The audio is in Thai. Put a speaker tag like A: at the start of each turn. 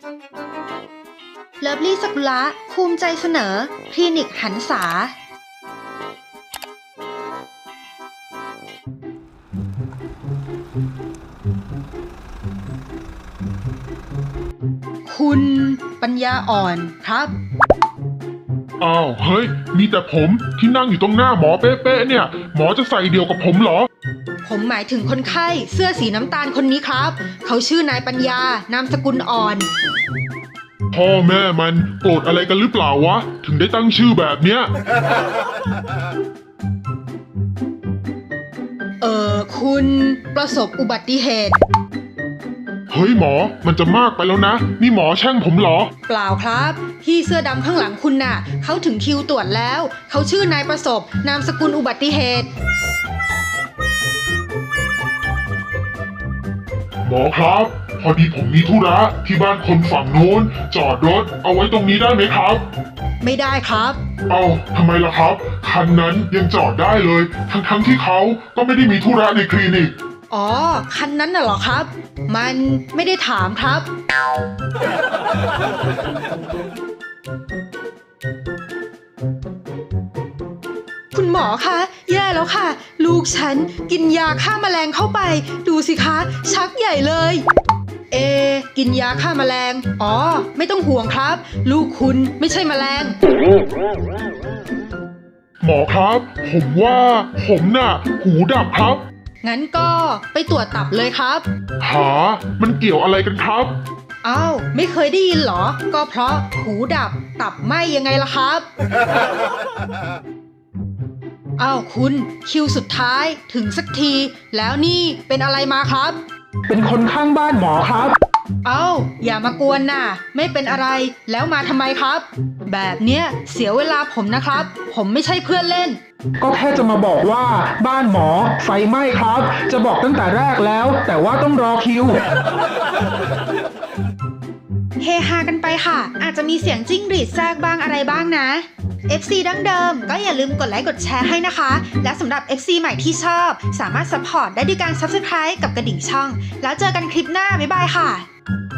A: เลิฟลี่สกุละภูมิใจเสนอคลินิกหันษาคุณปัญญาอ่อนครับ
B: อ้าวเฮ้ยมีแต่ผมที่นั่งอยู่ตรงหน้าหมอเป๊ะๆเนี่ยหมอจะใส่เดียวกับผมเหรอ
A: ผมหมายถึงคนไข้เสื้อสีน้ำตาลคนนี้ครับเขาชื่อนายปัญญานามสกุลอ่อน
B: พ่อแม่มันโกรธอะไรกันหรือเปล่าวะถึงได้ตั้งชื่อแบบเนี้ย
A: คุณประสบอุบัติเหตุ
B: เฮ้ยหมอมันจะมากไปแล้วนะนี่หมอแช่งผมเหรอ
A: เปล่าครับพี่เสื้อดำข้างหลังคุณน่ะเขาถึงคิวตรวจแล้วเขาชื่อนายประสบนามสกุลอุบัติเหตุ
B: หมอครับพอดีผมมีธุระที่บ้านคนฝั่งโน้นจอดรถเอาไว้ตรงนี้ได้ไหมครับ
A: ไม่ได้ครับ
B: เอ้าทำไมล่ะครับคันนั้นยังจอดได้เลยทั้งที่เขาก็ไม่ได้มีธุระในคลินิก
A: อ๋อคันนั้นน่ะเหรอครับมันไม่ได้ถามครับคุณหมอคะแย่แล้วค่ะลูกฉันกินยาฆ่าแมลงเข้าไปดูสิคะชักใหญ่เลยกินยาฆ่าแมลงอ๋อไม่ต้องห่วงครับลูกคุณไม่ใช่แมลง
B: หมอครับผมว่าผมน่ะหูดับครับ
A: งั้นก็ไปตรวจตับเลยครับ
B: หามันเกี่ยวอะไรกันครับ
A: อ้าวไม่เคยได้ยินเหรอก็เพราะหูดับตับไหม้ยังไงล่ะครับอ้าวคุณคิวสุดท้ายถึงสักทีแล้วนี่เป็นอะไรมาครับ
C: เป็นคนข้างบ้านหมอครับ
A: อ้าวอย่ามากวนน่ะไม่เป็นอะไรแล้วมาทำไมครับแบบเนี้ยเสียเวลาผมนะครับผมไม่ใช่เพื่อนเล่น
C: ก็แค่จะมาบอกว่าบ้านหมอไฟไหม้ครับจะบอกตั้งแต่แรกแล้วแต่ว่าต้องรอคิว
A: เฮฮากันไปค่ะอาจจะมีเสียงจิ้งหรีดแทรกบ้างอะไรบ้างนะ FC ดั้งเดิมก็อย่าลืมกดไลค์กดแชร์ให้นะคะและสำหรับ FC ใหม่ที่ชอบสามารถซัพพอร์ตได้ด้วยการ Subscribe กับกระดิ่งช่องแล้วเจอกันคลิปหน้าบ๊ายบายค่ะ